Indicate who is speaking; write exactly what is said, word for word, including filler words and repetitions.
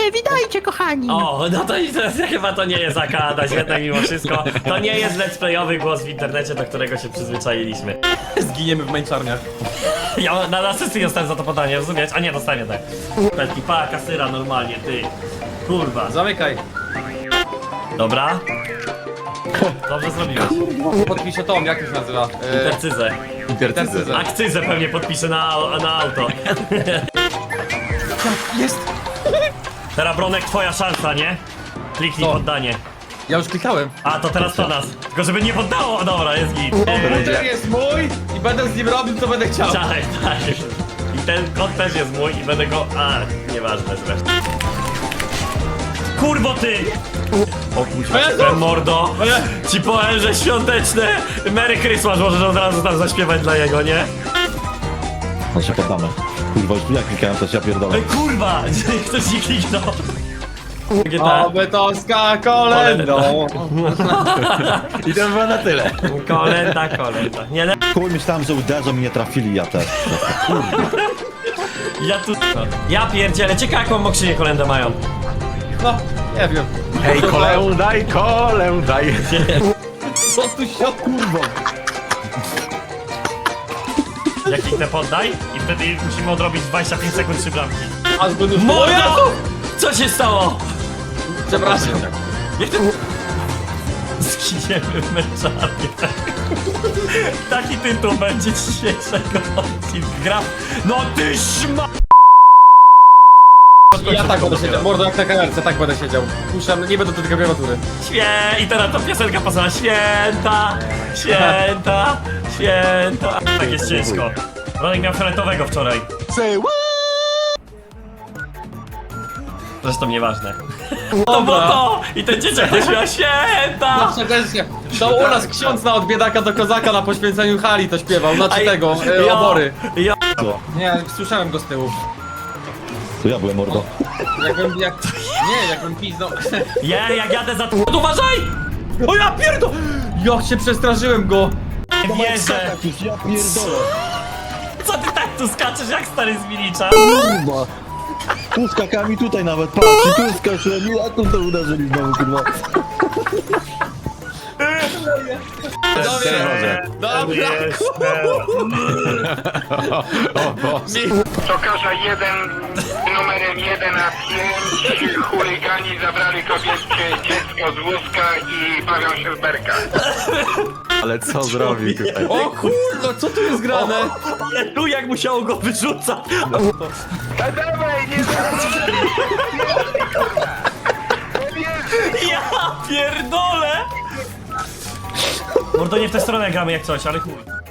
Speaker 1: witajcie, witajcie, kochani!
Speaker 2: O, no to, to chyba to nie jest Akada, jednak mimo wszystko. To nie jest let's playowy głos w internecie, do którego się przyzwyczailiśmy.
Speaker 3: Zginiemy w męczarniach.
Speaker 2: Ja na asysty dostałem za to podanie, rozumiesz? A nie, dostałem jednak. Petki, pa, kasyra normalnie, ty. Kurwa.
Speaker 3: Zamykaj.
Speaker 2: Dobra. Dobrze zrobiłeś.
Speaker 3: Podpiszę tom, jak to się nazywa? E,
Speaker 2: Intercyzę.
Speaker 3: Intercyzę.
Speaker 2: Akcyzę pewnie podpiszę na, na auto.
Speaker 3: Jest!
Speaker 2: Teraz Bronek, twoja szansa, nie? Kliknij
Speaker 3: Co?
Speaker 2: poddanie.
Speaker 3: Ja już klikałem.
Speaker 2: A, to teraz to nas. Tylko żeby nie poddało, o, dobra, jest git.
Speaker 3: Router jest mój i będę z nim robił, co będę chciał.
Speaker 2: Tak, tak. I ten kod też jest mój i będę go... A, nieważne zresztą. Kurwo ty! O kurwa,
Speaker 3: Jezu!
Speaker 2: ten mordo! Ci powiem, że świąteczne Merry Christmas możesz od razu tam zaśpiewać dla jego, nie?
Speaker 4: No się poddamy. Kurwa, już ja klikałem, to ja pierdolę.
Speaker 2: Ej, kurwa! Ktoś nie kliknął. G T A.
Speaker 3: Oby to z kolendą.
Speaker 4: I to było na tyle.
Speaker 2: Kolenda, kolenda. Nie, le...
Speaker 4: Chuj, myślałem, że uderzą i nie trafili, ja też.
Speaker 2: Ja tu... Ja pierdzielę, ciekawe jaką mokrzynię kolendę mają.
Speaker 3: No, nie wiem.
Speaker 5: Ej, kolę daj, kolę daj.
Speaker 3: Co tu się kurwa?
Speaker 2: Jak kliknę poddaj i wtedy musimy odrobić dwadzieścia pięć sekund trzy bramki.
Speaker 3: Aż będę
Speaker 2: Moja! Co się stało?
Speaker 3: Przepraszam.
Speaker 2: Jak ty... Zginiemy w męczarnię. Taki tytuł będzie dzisiejszego odcinka. Gra... No ty szma...
Speaker 3: Ja tak będę siedział. Mordo jak na kamerce, tak będę siedział. Puszczam, nie będę do tej klawiatury.
Speaker 2: Świe... I teraz ta piosenka pasała. Święta, święta, święta. Tak jest ciężko. Ronek miał fioletowego wczoraj. Zresztą nieważne. To było to! I ten dzieciak też miał święta!
Speaker 3: Zawsze też się. To u nas ksiądz na od biedaka do kozaka na poświęceniu hali to śpiewał, znaczy tego, e,
Speaker 2: Ja-
Speaker 3: obory.
Speaker 2: Ja...
Speaker 3: Nie, słyszałem go z tyłu.
Speaker 4: To ja byłem mordo.
Speaker 3: Jakbym, jak... Nie, jakbym piznął.
Speaker 2: Ja, jak jadę za... Uważaj!
Speaker 3: O ja pierdo! Jak się przestraszyłem go!
Speaker 2: Nie wierzę!
Speaker 4: Ja pierdolę.
Speaker 2: Co ty tak tu skaczesz jak stary z Milicza?
Speaker 4: Kurwa. Tu skakami tutaj nawet, patrz, i tu skaczyłem, i a tu to uderzyli znowu, kurwa.
Speaker 3: Dobra!
Speaker 5: O Boże.
Speaker 6: Tokarza jeden numerem jeden a pięć chuligani zabrali kobietkę dziecko z wózka i bawią się w berkach.
Speaker 5: Ale co zrobił tutaj?
Speaker 3: O kurwa, co tu jest grane?
Speaker 2: Ale tu jak musiało go wyrzucać!
Speaker 6: A dawaj, nie
Speaker 2: Ja pierdolę! Mordo, nie w tę stronę gramy jak coś, ale chuj.